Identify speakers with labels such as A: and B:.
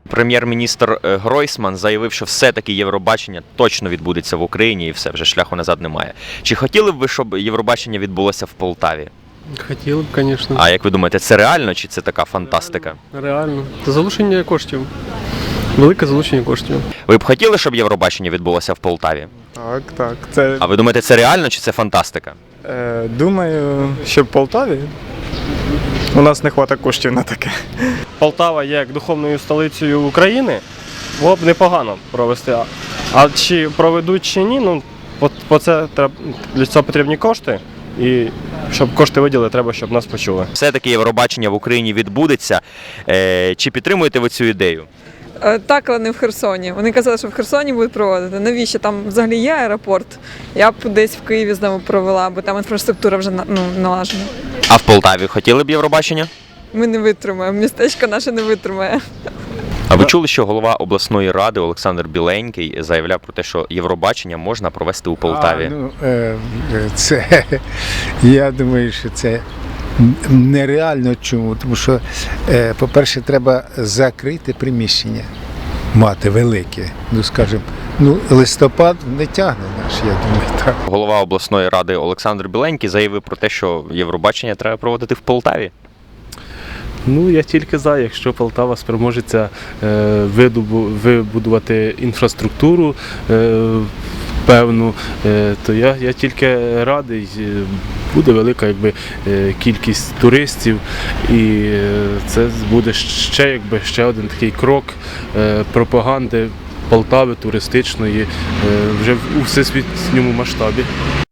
A: Прем'єр-міністр Гройсман заявив, що все-таки Євробачення точно відбудеться в Україні і все, вже шляху назад немає. Чи хотіли б ви, щоб Євробачення відбулося в Полтаві?
B: Хотіли б, звісно.
A: А як ви думаєте, це реально чи це така фантастика?
B: Реально. Це залучення коштів. Велике залучення коштів.
A: Ви б хотіли, щоб Євробачення відбулося в Полтаві?
C: Так. Це,
A: А ви думаєте, це реально чи це фантастика?
C: думаю, що в Полтаві у нас не вистачає коштів на таке.
D: Полтава є як духовною столицею України, було б непогано провести. А чи проведуть чи ні, ну для цього потрібні кошти. І щоб кошти виділили, треба, щоб нас почули.
A: Все-таки Євробачення в Україні відбудеться. Чи підтримуєте ви цю ідею?
E: Так, але не в Херсоні. Вони казали, що в Херсоні будуть проводити. Навіщо? Там взагалі є аеропорт. Я б десь в Києві знову провела, бо там інфраструктура вже налажена.
A: А в Полтаві хотіли б Євробачення?
E: Ми не витримаємо, містечко наше не витримає.
A: А ви чули, що голова обласної ради Олександр Біленький заявляв про те, що Євробачення можна провести у Полтаві?
F: Я думаю, що це нереально. Чому? Тому що, по-перше, треба закрити приміщення, мати велике. Скажімо, листопад не тягне наш, я думаю, так.
A: Голова обласної ради Олександр Біленький заявив про те, що Євробачення треба проводити в Полтаві.
G: Я тільки за, якщо Полтава спроможеться вибудувати інфраструктуру певну, то я тільки радий. Буде велика кількість туристів, і це буде ще один такий крок пропаганди Полтави туристичної вже у всесвітньому масштабі.